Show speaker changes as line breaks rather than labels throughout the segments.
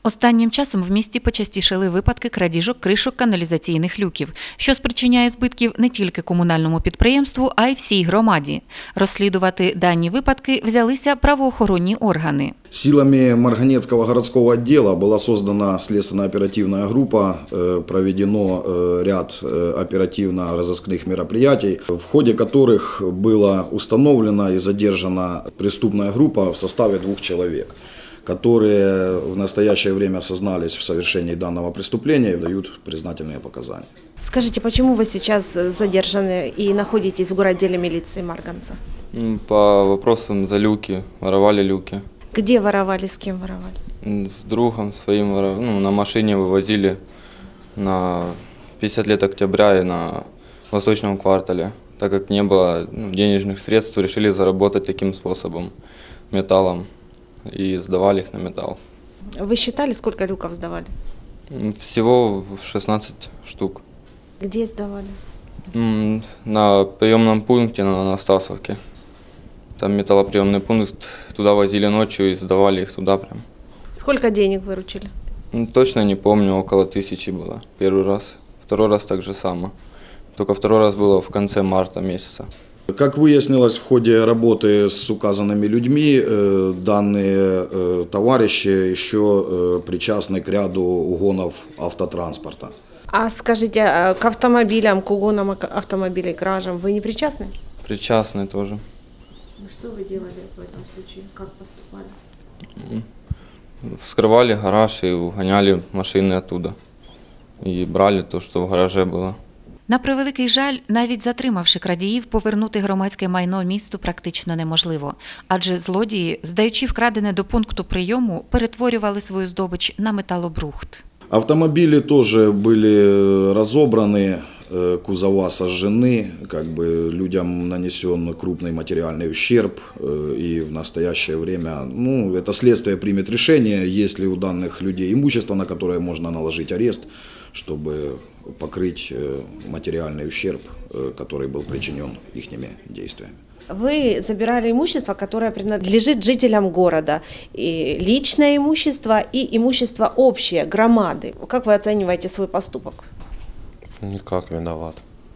Останнім часом в місті почастішали випадки крадіжок кришок каналізаційних люків, що спричиняє збитків не тільки комунальному підприємству, а й всій громаді. Розслідувати дані випадки взялися правоохоронні органи.
Силами Марганецкого городского отдела была создана следственно-оперативная группа, проведено ряд оперативно-розыскных мероприятий, в ходе которых была установлена и задержана преступная группа в составе 2 человек, которые в настоящее время сознались в совершении данного преступления и дают признательные показания.
Скажите, почему вы сейчас задержаны и находитесь в городделе милиции Марганца?
По вопросам за люки, воровали люки.
Где воровали, с кем воровали?
С другом своим на машине вывозили на 50 лет октября и на Восточном квартале. Так как не было денежных средств, решили заработать таким способом, металлом, и сдавали их на металл.
Вы считали, сколько люков сдавали?
Всего 16 штук.
Где сдавали?
На приемном пункте на Анастасовке. Там металлоприемный пункт, туда возили ночью и сдавали их туда прям.
Сколько денег выручили?
Точно не помню, около 1000 было первый раз. Второй раз так же само. Только второй раз было в конце марта месяца.
Как выяснилось в ходе работы с указанными людьми, данные товарищи еще причастны к ряду угонов автотранспорта.
А скажите, к автомобилям, к угонам автомобилей, кражам вы не причастны?
Причастны тоже.
Что вы делали в этом случае? Как поступали?
Вскрывали гараж и угоняли машины оттуда. И брали то, что в гараже было.
На превеликий жаль, навіть затримавши крадіїв, повернути громадське майно місту практично неможливо. Адже злодії, здаючи вкрадене до пункту прийому, перетворювали свою здобич на металобрухт.
Автомобили тоже были разобраны, кузова сожжены, людям нанесен крупный материальный ущерб, и в настоящее время, это следствие примет решение, есть ли у данных людей имущество, на которое можно наложить арест, чтобы покрыть материальный ущерб, который был причинен их действиями.
Вы забирали имущество, которое принадлежит жителям города, и личное имущество и имущество общее, громады. Как вы оцениваете свой поступок?
Никак, виноват.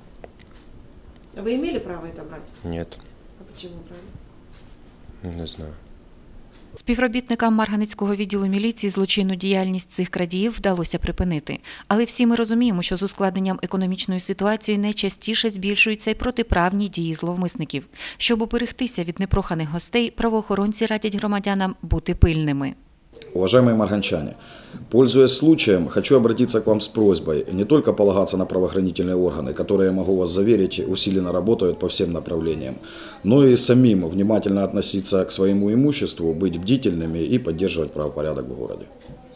Вы имели право это брать?
Нет.
А почему брали?
Не знаю.
Співробітникам Марганецького відділу міліції злочинну діяльність цих крадіїв вдалося припинити. Але всі ми розуміємо, що з ускладненням економічної ситуації найчастіше збільшуються й протиправні дії зловмисників. Щоб уберегтися від непроханих гостей, правоохоронці радять громадянам бути пильними.
Уважаемые марганчане, пользуясь случаем, хочу обратиться к вам с просьбой не только полагаться на правоохранительные органы, которые, я могу вас заверить, усиленно работают по всем направлениям, но и самим внимательно относиться к своему имуществу, быть бдительными и поддерживать правопорядок в городе.